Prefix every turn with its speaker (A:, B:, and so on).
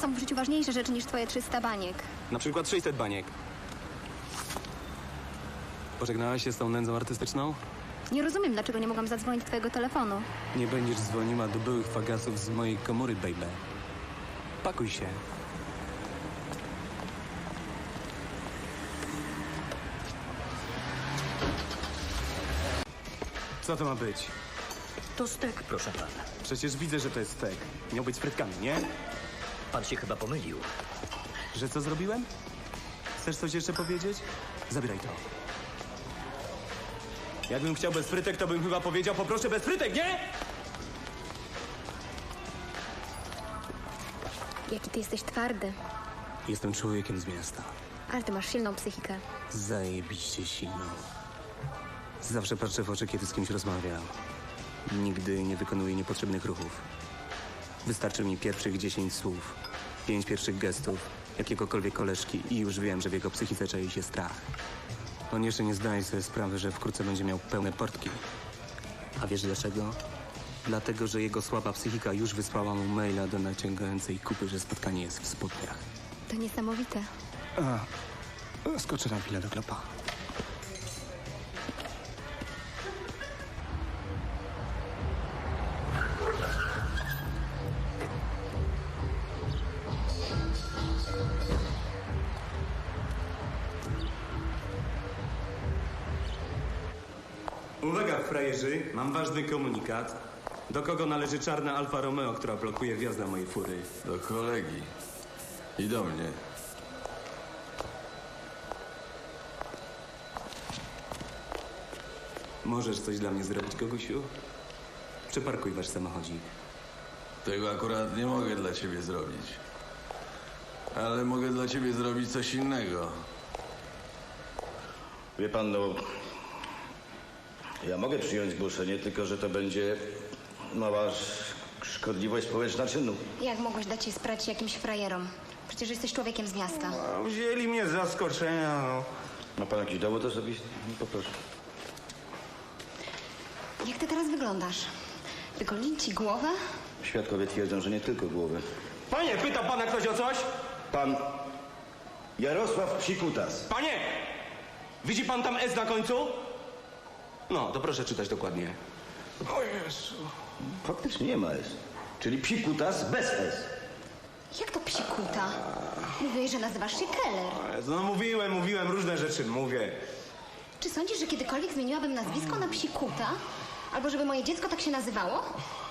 A: Są w życiu ważniejsze rzeczy niż twoje 300 baniek.
B: Na przykład 600 baniek. Pożegnałaś się z tą nędzą artystyczną?
A: Nie rozumiem, dlaczego nie mogłam zadzwonić twojego telefonu.
B: Nie będziesz dzwoniła do byłych fagasów z mojej komory, baby. Pakuj się. Co to ma być?
C: To stek, proszę pana.
B: Przecież widzę, że to jest stek. Miał być z frytkami, nie?
C: Pan się chyba pomylił.
B: Że co zrobiłem? Chcesz coś jeszcze powiedzieć? Zabieraj to. Jakbym chciał bez frytek, to bym chyba powiedział poproszę bez frytek, nie?
A: Jaki ty jesteś twardy.
B: Jestem człowiekiem z miasta.
A: Ale ty masz silną psychikę.
B: Zajebiście silną. Zawsze patrzę w oczy, kiedy z kimś rozmawiam. Nigdy nie wykonuję niepotrzebnych ruchów. Wystarczy mi pierwszych 10 słów, 5 pierwszych gestów, jakiegokolwiek koleżki i już wiem, że w jego psychice czai się strach. On jeszcze nie zdaje sobie sprawy, że wkrótce będzie miał pełne portki. A wiesz dlaczego? Dlatego, że jego słaba psychika już wysłała mu maila do naciągającej kupy, że spotkanie jest w spodniach.
A: To niesamowite.
B: Skoczę na chwilę do klopa. Uwaga, frajerzy, mam ważny komunikat. Do kogo należy czarna Alfa Romeo, która blokuje wjazd na mojej fury?
D: Do kolegi. I do mnie.
B: Możesz coś dla mnie zrobić, Gogusiu? Przeparkuj wasz samochodzik.
D: Tego akurat nie mogę dla ciebie zrobić. Ale mogę dla ciebie zrobić coś innego.
E: Wie pan, no... Ja mogę przyjąć zgłoszenie, tylko że to będzie mała szkodliwość społeczna czynu.
A: Jak mogłeś dać się sprać jakimś frajerom? Przecież jesteś człowiekiem z miasta.
E: No, wzięli mnie z zaskoczenia, no. Ma pan jakiś dowód osobisty? No, poproszę.
A: Jak ty teraz wyglądasz? Wygolili ci głowę?
E: Świadkowie twierdzą, że nie tylko głowę.
B: Panie, pyta pana ktoś o coś?
E: Pan Jarosław Psikutas.
B: Panie! Widzi pan tam S na końcu? No, to proszę czytać dokładnie.
E: O Jezu. Faktycznie nie ma S. Czyli Psikutas bez S.
A: Jak to psikuta? Mówiłeś, że nazywasz się Keller.
B: No mówiłem, różne rzeczy mówię.
A: Czy sądzisz, że kiedykolwiek zmieniłabym nazwisko na psikuta? Albo żeby moje dziecko tak się nazywało?